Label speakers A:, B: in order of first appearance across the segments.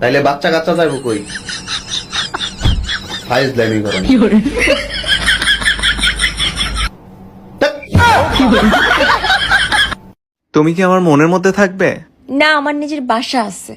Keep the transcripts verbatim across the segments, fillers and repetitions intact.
A: তাইলে বাচ্চা কাচ্চা যাবো কই? ফাইজ লাইমি করো না।
B: তুমি কি আমার মনের মধ্যে থাকবে?
C: না, আমার নিজের বাসা আছে।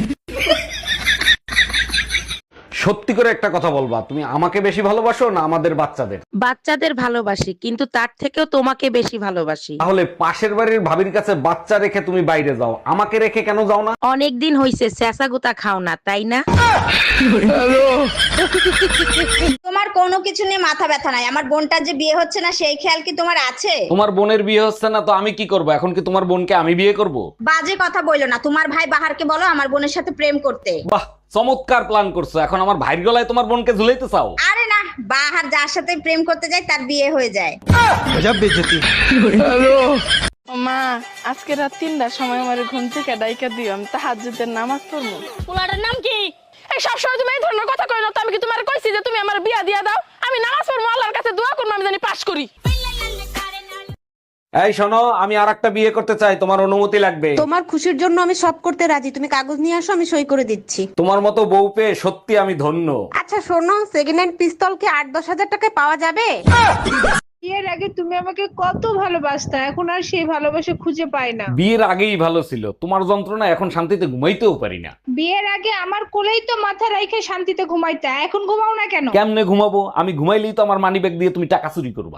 D: সত্যি করে একটা কথা বলবা, তুমি আমাকে বেশি ভালোবাসো না আমাদের বাচ্চাদের?
E: বাচ্চাদের ভালোবাসি, কিন্তু তার থেকেও তোমাকে বেশি ভালোবাসি।
D: তাহলে পাশের বাড়ির ভাবির কাছে বাচ্চা রেখে তুমি বাইরে যাও, আমাকে রেখে কেন যাও না?
E: অনেক দিন হইছে চেঁচা গুতা খাও না, তাই না?
F: তোমার কোনো কিছু নিয়ে মাথা ব্যথা নাই, আমার বোনটার যে বিয়ে হচ্ছে না সেই খেয়াল কি তোমার আছে?
D: তোমার বোনের বিয়ে হচ্ছে না তো আমি কি করব? এখন কি তোমার বোনকে আমি বিয়ে করব?
F: বাজে কথা বইলো না, তোমার ভাই বাহারকে বলো আমার বোনের সাথে প্রেম করতে।
D: বাহ, চমৎকার প্ল্যান করছো। এখন আমার ভাইয়ের গলায় তোমার বোনকে ঝুলাইতে চাও?
F: আরে না, বাহার যার সাথে প্রেম করতে যায় তার বিয়ে হয়ে যায়।
G: মা, আজকে রাত তিনটার সময় আমার ঘুম থেকে ডাইকা দিও, আমি তাহাজ্জুদের নামাজ পড়বো।
H: পোলাটার নাম কি? এই সবসময় তুমি এই ধরনের কথা কই না তো? আমি কি তোমার কইছি যে তুমি আমার বিয়া দিয়া দাও? আমি নামাজ পড়বো, আল্লাহর কাছে দোয়া করবো, আমি জানি পাস করি।
D: এই শোনো, আমি আর একটা বিয়ে করতে চাই, তোমার অনুমতি লাগবে।
I: তোমার খুশির জন্য আমি সব করতে রাজি, তুমি কাগজ নিয়ে আসো, আমি সই করে দিচ্ছি।
D: তোমার মতো বউ পেয়ে সত্যি আমি ধন্য।
I: আচ্ছা শোনো, সেকেন্ড হ্যান্ড পিস্তল কি আট দশ হাজার টাকায় পাওয়া যাবে?
G: বিয়ের আগে তুমি আমাকে কত ভালোবাসতা, এখন আর সেই ভালোবাসা খুঁজে পাই না।
D: বিয়ের আগেই ভালো ছিল, তোমার যন্ত্রণা এখন শান্তিতে ঘুমাইতেও পারি না।
G: বিয়ের আগে আমার কোলেই তো মাথা রাইখে শান্তিতে ঘুমাইতা, এখন ঘুমাও না কেন?
D: কেমনে ঘুমাবো? আমি ঘুমাইলেই তো আমার মানিব্যাগ দিয়ে তুমি টাকা চুরি করবা।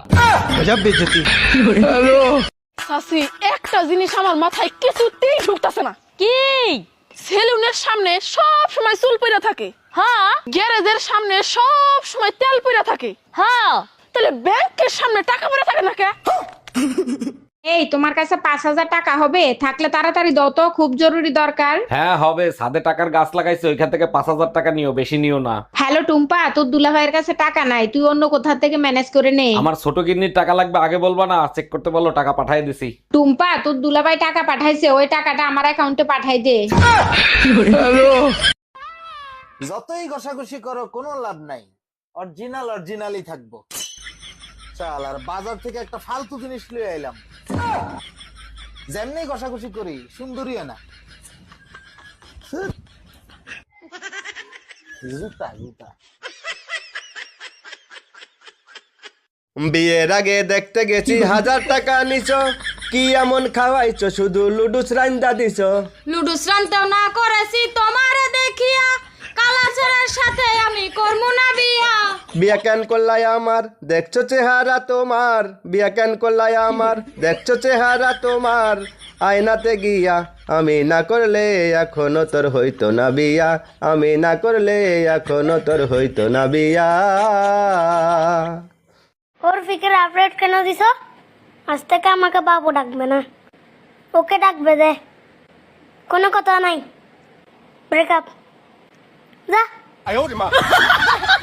H: সাসি, একটা জিনিস আমার মাথায় কিছুতেই ঢুকতাছে না। কি? সেলুনের সামনে সব সময় চুল পইরা থাকে। হ্যাঁ। গ্যারেজের সামনে সব সময় তেল পইরা থাকে। হ্যাঁ। তাহলে ব্যাংকের সামনে টাকা পড়ে থাকে না কে?
I: এই তোমার কাছে পাঁচ হাজার টাকা হবে? থাকলে তাড়াতাড়ি দাও তো, খুব জরুরি দরকার।
D: হ্যাঁ হবে, ছাদে টাকার গাছ লাগাইছে, ওইখান থেকে পাঁচ হাজার টাকা নিও, বেশি নিও না।
I: হ্যালো টুম্পা, তোর দুলাভাইয়ের কাছে টাকা নাই, তুই অন্য কোথা থেকে ম্যানেজ করে নে।
D: আমার ছোট কিডনির টাকা লাগবে, আগে বলবা না? চেক করতে বলো, টাকা পাঠিয়ে দিছি।
I: টুম্পা, তোর দুলাভাই টাকা পাঠাইছে, ওই টাকাটা আমার অ্যাকাউন্টে পাঠাই দে।
J: যতই ঘষাঘষি করো কোনো লাভ নাই, অরিজিনাল অরিজিনালই থাকবো। চাল, আর বাজার থেকে একটা ফালতু জিনিস লিয়ে এলাম, যেমনি ঘষাঘষি করি সুন্দরী না। জুতা জুতা
A: বিয়ের আগে দেখতে গেছি হাজার টাকা নিছো, কি এমন খাওয়াইছো শুধু লুডুস রান্দা দিছো?
C: লুডুস রানতেও না করেছি তোমারে দেখিয়া, কালাচরের সাথে আমি করবো না বিয়া।
A: বিয়া কেন করলাই আমার, দেখছো চেহারা তোমার? বিয়া কেন করলাই আমার, দেখছো চেহারা তোমার? আয়নাতে গিয়া আমি না করলে এখনো তোর হইতো না বিয়া, আমি না করলে এখনো তোর হইতো না বিয়া।
K: ওর ফিকের আপডেট কেন দিছ? আজ থেকে আমাকে বাবু ডাকবে না, ওকে ডাকবে দে, কোনো কথা নাই, ব্রেকআপ, যা।